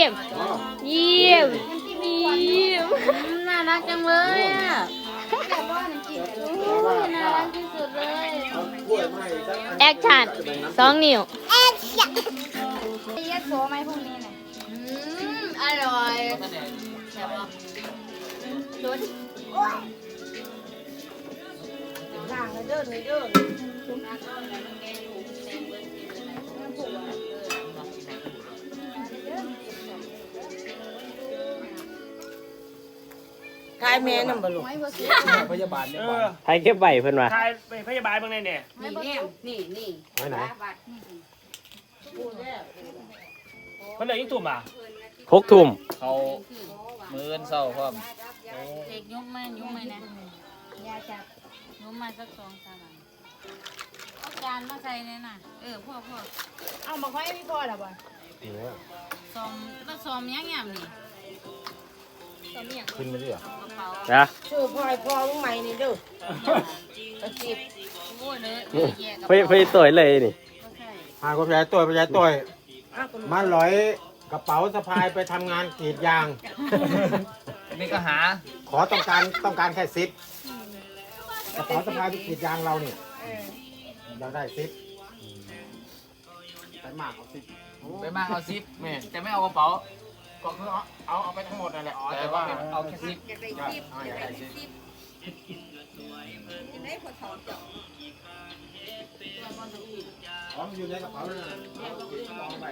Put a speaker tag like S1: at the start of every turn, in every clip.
S1: เยี่ยมน่ารักจังเลยอ่ะน่ารักที่สุดเลยแอคชั่น2 นิ้ว
S2: แอคชั่นเยอะโซ่ไหมพวกนี้เนี่ย
S1: อร่อยใช่ปะชุด
S2: ล่างเลยเด้อเลยเด้อทายแม่นำบ่ลูก
S3: พยาบาลเนี่ย
S4: ไทยเก็บใบเพิ่นว่า
S3: ทายไปพยาบาลเบิ่งได้เนี่ย
S1: นี่
S4: ไว้ไหน
S3: เพิ่นเลยยิ่งตุ่มอ่ะ
S4: 6 ทุ่ม
S5: เขามื้อเช้าพร้อม
S1: เด็กยุ้มไหมนะยาจับยุ้มมาสัก2-3 วันเอาจานมาใส่เนี่ยน่ะพ่อ
S2: เอามาค่อยพี่พ่อล่ะบ่
S1: ซ้อมก็ซ้อมยังนี่
S4: ขึ้นมาดิเหรอก
S1: ระเป๋า
S4: นะ
S2: ชื่อพ่อพ่อมึงใหม่นี่เด้อจิบ
S1: โอ้ยเลยแย่กับ
S4: ไปต่อยเลยนี่
S6: พาคุณยายต้อยมาลอยกระเป๋าสะพายไปทำงานกรีดยาง
S5: นี่ก็หา
S6: ขอต้องการแค่10กระเป๋าสะพายไปกรีดยางเราเนี่ยเราได้10ไปมากเอา10
S5: ไปมากเอาซิปแม่แต่ไม่เอากระเป๋า
S6: ก็คือเอาไปทั้งหมดนั่นแหละอ๋อ
S5: แต่
S6: แต่
S5: ว่า
S6: ว่า
S5: เอาแค่ซิป
S6: อยากได้10ของอยู่ในกระเป๋านั่นน่ะเอาไป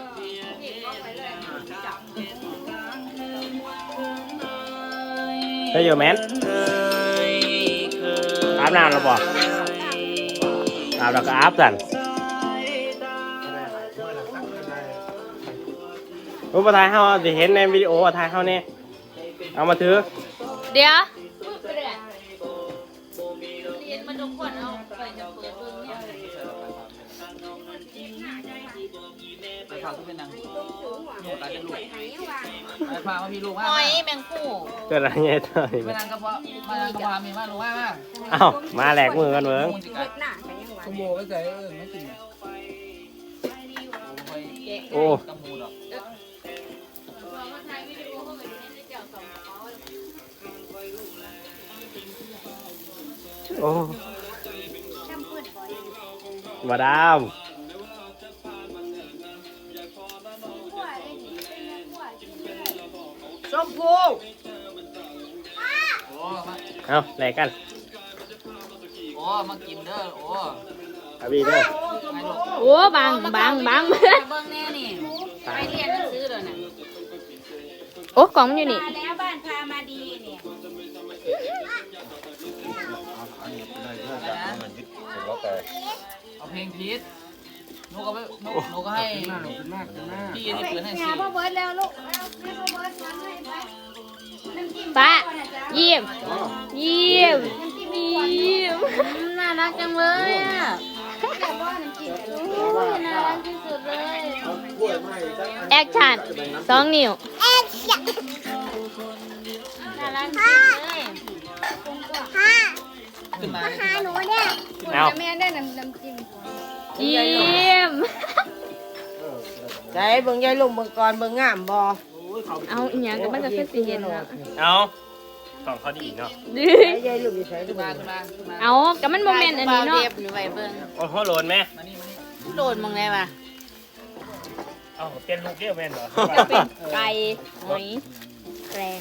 S4: เฮ้ยโยแมนอาบน้ำแล้วบ่อาบแล้วก็อาบสั่นรูปถ่ายเฮาสิเห็นในวิดีโอถ่ายเฮาเนี่ยเอามาถือ
S1: เดี๋ยวเรียนมาทุกคนเอาไปจะเปิดเบิ่งเนี่ย
S5: ไปพาคุณเป็นนางลูกหลานเป็นลูกไปพาพี่ลูก
S1: ห
S5: มา
S1: อยแมงคู่
S4: เกิดอะไรเงี้ยต่อย
S5: ไปนางกระเพาะมานางกระเพาะมีมาลูกมา
S4: เอ้ามาแหลกมือกันเบิ่ง
S5: ขโมยไว้ใจไม่กิน
S4: โอ้
S5: กระมูดอก
S4: โอ้มาดาม
S2: ชมพู
S5: โอ้มา
S4: เอาแหลกกัน
S5: โอ้มากินเด้อโอ้
S4: อาบีเด้อ
S5: ไงลูก
S1: โอ้บังเบิ่งแน่นี่ไปเรียนหนังสือเลยน่ะโอ้กล่องมันอยู่นี่
S2: มาแล้วบ้านพามาดีเนี่ย
S5: เอาเพลงพีทหนูก็ให้พี่ที่เปิดให้สิ
S2: พ่อเบิร์ดแล้วลูกให้พ่อเบิร์ดทำให้ไปน้ำจิ้ม
S1: ป้าเยี่ยมน่ารักจังเลยอ่ะน่ารักที่สุดเลยแอคชั่น2 นิ้ว
S2: แอคชั่น
S1: น่ารักที่สุดเลย
S5: ขึ้นมา
S2: หาหนูเนี่ย
S4: เอา
S2: แม่ได้น้ำจิ้ม
S1: เยี่ยม
S2: ใจเบิ่งยายลุงเบิ่งก่อนเบิ่งงามบ่
S1: เอาอีหยังก็มันจะขึ้นสิเย็นแล้ว
S4: เอากล่องเขาดีเนาะ
S2: ยายลุงอยู่ไส
S5: ขึ้นมา
S1: เอาก็มันโมเมนต์อันนี้เนาะ
S4: โอ้โหโหลนไหม
S5: มานี่
S1: โดนมึงเลยว่ะ
S3: เอาเต้นลูกเกี้ยวแม่นเหรอ
S1: จะเป็นไก่หอยแกรง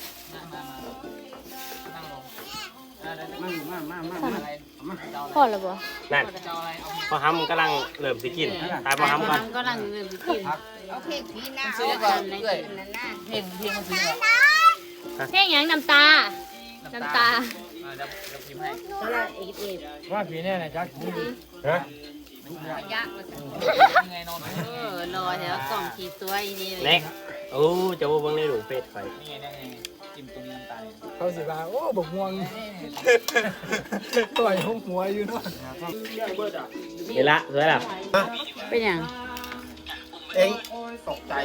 S1: พ่อแล้วบ่
S4: นั่นพอห้ำกำลังเริ่มสิกินตายพอห้ำก่อน
S1: ก็ลังเริ่มสิกิน
S2: เอาเพลงพี่นา
S5: ซื้อ
S2: เอา
S5: ก่อน
S2: ใน
S5: เอ้ย
S2: นั่นน่ะ
S5: เพลงมันซื้อก่อน
S1: เพลงหยังน้ำตา
S5: เดี๋ยวพิมพ์ให้
S2: ก็ละเอก
S3: ว่าผีแน่นะจ๊ะฮะ
S1: ยากว่า
S5: ยังไงนอน
S1: รอแถวกล่องขีดตัวอีนี่เลย
S4: เน็กโอ้จะว่าเบิ่งในหลุมเฟซไฟ
S5: นี่ไงจิ้มตรงนี้น้ำตาล
S3: เขาสิว่าโอ้บกม่วงต่อยหัวอยู่เนาะ
S4: เห็นละสวยละ
S1: เป็นหยัง
S6: เองตกใจ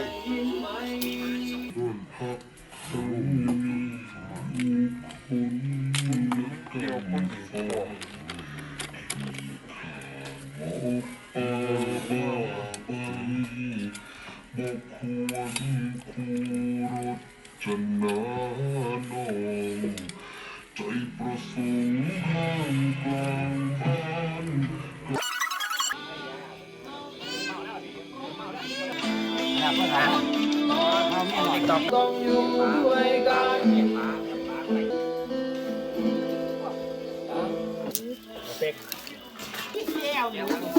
S7: Thank you. จนาน้องใจประสงค์ข้างกลางบ้าน
S5: นะเพื่อนทางเอาแม่หน่อยตอก
S3: ต้องอยู่ด้วยกัน
S5: เป็ก
S2: ที่แก้ว